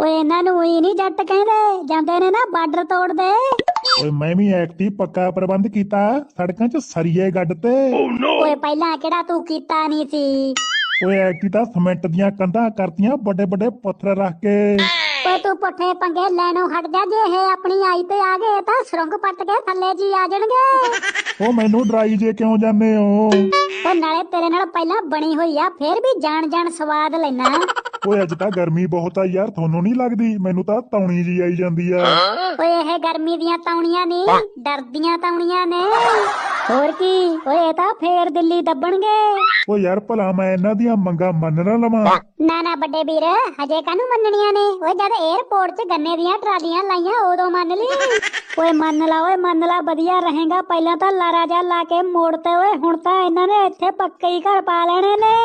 ਓਏ ਇਹਨਾਂ ਨੂੰ ਹੀ ਨਹੀਂ ਜੱਟ ਕਹਿੰਦੇ, ਜਾਂਦੇ ਨੇ ਨਾ ਬਾਰਡਰ ਤੋੜਦੇ। ਓਏ ਮੈਂ ਵੀ ਐਕਟੀ ਪੱਕਾ ਪ੍ਰਬੰਧ ਕੀਤਾ, ਸੜਕਾਂ 'ਚ ਸਰੀਏ ਗੱਡ ਤੇ। ਓਏ ਪਹਿਲਾਂ ਕਿਹੜਾ ਤੂੰ ਕੀਤਾ ਨਹੀਂ ਸੀ? ਓਏ ਐਕਟੀ ਤਾਂ ਸੀਮੈਂਟ ਦੀਆਂ ਕੰਧਾਂ ਕਰਤੀਆਂ, ਵੱਡੇ ਵੱਡੇ ਪੱਥਰ ਰੱਖ ਕੇ। ਓਏ ਤੂੰ ਪੁੱਠੇ ਪੰਗੇ ਲੈਣੋਂ ਹਟ ਜਾ, ਜੇ ਇਹ ਆਪਣੀ ਆਈ ਤੇ ਆ ਗਏ ਤਾਂ ਸੁਰੰਗ ਪੱਟ ਕੇ ਥੱਲੇ ਜੀ ਆ ਜਾਣਗੇ। ਉਹ ਮੈਨੂੰ ਡਰਾਈ ਜੇ ਕਿਉਂ ਜਾਂਦੇ ਹੋ? ਓ ਨਾਲੇ ਤੇਰੇ ਨਾਲ ਪਹਿਲਾਂ ਬਣੀ ਹੋਈ ਆ, ਫੇਰ ਵੀ ਜਾਣ ਜਾਣ ਸਵਾਦ ਲੈਣਾ। ਓਏ ਅੱਜ ਤਾਂ ਗਰਮੀ ਬਹੁਤ ਆ ਯਾਰ, ਤੁਹਾਨੂੰ ਨਹੀਂ ਲੱਗਦੀ? ਮੈਨੂੰ ਤਾਂ ਤੌਣੀ ਜੀ ਆਈ ਜਾਂਦੀ ਆ। ਓਏ ਇਹ ਗਰਮੀ ਦੀਆਂ ਤੌਣੀਆਂ ਨਹੀਂ, ਡਰਦੀਆਂ ਤੌਣੀਆਂ ਨੇ। ਹੋਰ ਕੀ, ਓਏ ਇਹ ਤਾਂ ਫੇਰ ਦਿੱਲੀ ਦੱਬਣਗੇ। ਓ ਯਾਰ ਭਲਾ ਮੈਂ ਇਹਨਾਂ ਦੀਆਂ ਮੰਗਾਂ ਮੰਨ ਨਾ ਲਵਾਂ? ਨਾ ਨਾ ਵੱਡੇ ਵੀਰ, ਹਜੇ ਕਾਹਨੂੰ ਮੰਨਣੀਆਂ ਨੇ? ਓਏ ਜਦ 에ਅਰਪੋਰਟ 'ਚ ਗੰਨੇ ਦੀਆਂ ਟਰਾਲੀਆਂ ਲਾਈਆਂ ਉਦੋਂ ਮੰਨ ਲਈ। ਓਏ ਮੰਨ ਲਾ, ਵਧੀਆ ਰਹੇਗਾ। ਪਹਿਲਾਂ ਤਾਂ ਲਾਰਾ ਜਾ ਲਾ ਕੇ ਮੋੜ ਤੇ, ਓਏ ਹੁਣ ਤਾਂ ਇਹਨਾਂ ਨੇ ਇੱਥੇ ਪੱਕੇ ਹੀ ਘਰ ਪਾ ਲੈਣੇ ਨੇ।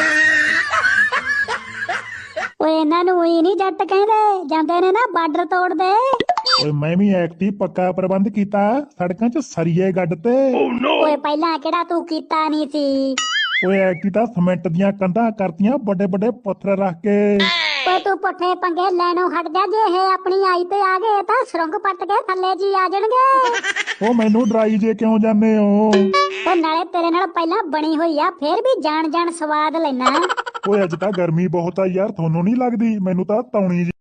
ਓਏ ਇਹਨਾਂ ਨੂੰ ਹੀ ਨਹੀਂ ਜੱਟ ਕਹਿੰਦੇ, ਜਾਂਦੇ ਨੇ ਨਾ ਬਾਰਡਰ ਤੋੜਦੇ। ਓਏ ਮੈਂ ਵੀ ਐਕਟੀ ਪੱਕਾ ਪ੍ਰਬੰਧ ਕੀਤਾ, ਸੜਕਾਂ 'ਚ ਸਰੀਏ ਗੱਡ ਤੇ। ਓਏ ਪਹਿਲਾਂ ਕਿਹੜਾ ਤੂੰ ਕੀਤਾ ਨਹੀਂ ਸੀ? ਓਏ ਐਕਟੀ ਤਾਂ ਸੀਮੈਂਟ ਦੀਆਂ ਕੰਧਾਂ ਕਰਤੀਆਂ, ਵੱਡੇ ਵੱਡੇ ਪੱਥਰ ਰੱਖ ਕੇ। ਓਏ ਤੂੰ ਪੁੱਠੇ ਪੰਗੇ ਲੈਣੋਂ ਹਟ ਜਾ, ਜੇ ਇਹ ਆਪਣੀ ਆਈ ਤੇ ਆ ਗਏ ਤਾਂ ਸੁਰੰਗ ਪੱਟ ਕੇ ਥੱਲੇ ਜੀ ਆ ਜਾਣਗੇ। ਉਹ ਮੈਨੂੰ ਡਰਾਈ ਜੇ ਕਿਉਂ ਜਾਂਦੇ ਹੋ? ਓ ਨਾਲੇ ਤੇਰੇ ਨਾਲ ਪਹਿਲਾਂ ਬਣੀ ਹੋਈ ਆ, ਫੇਰ ਵੀ ਜਾਣ ਜਾਣ ਸਵਾਦ ਲੈਣਾ। ਓਏ ਅੱਜ ਤਾਂ ਗਰਮੀ ਬਹੁਤ ਆ ਯਾਰ, ਤੁਹਾਨੂੰ ਨਹੀਂ ਲੱਗਦੀ? ਮੈਨੂੰ ਤਾਂ ਤੌਣੀ ਜੀ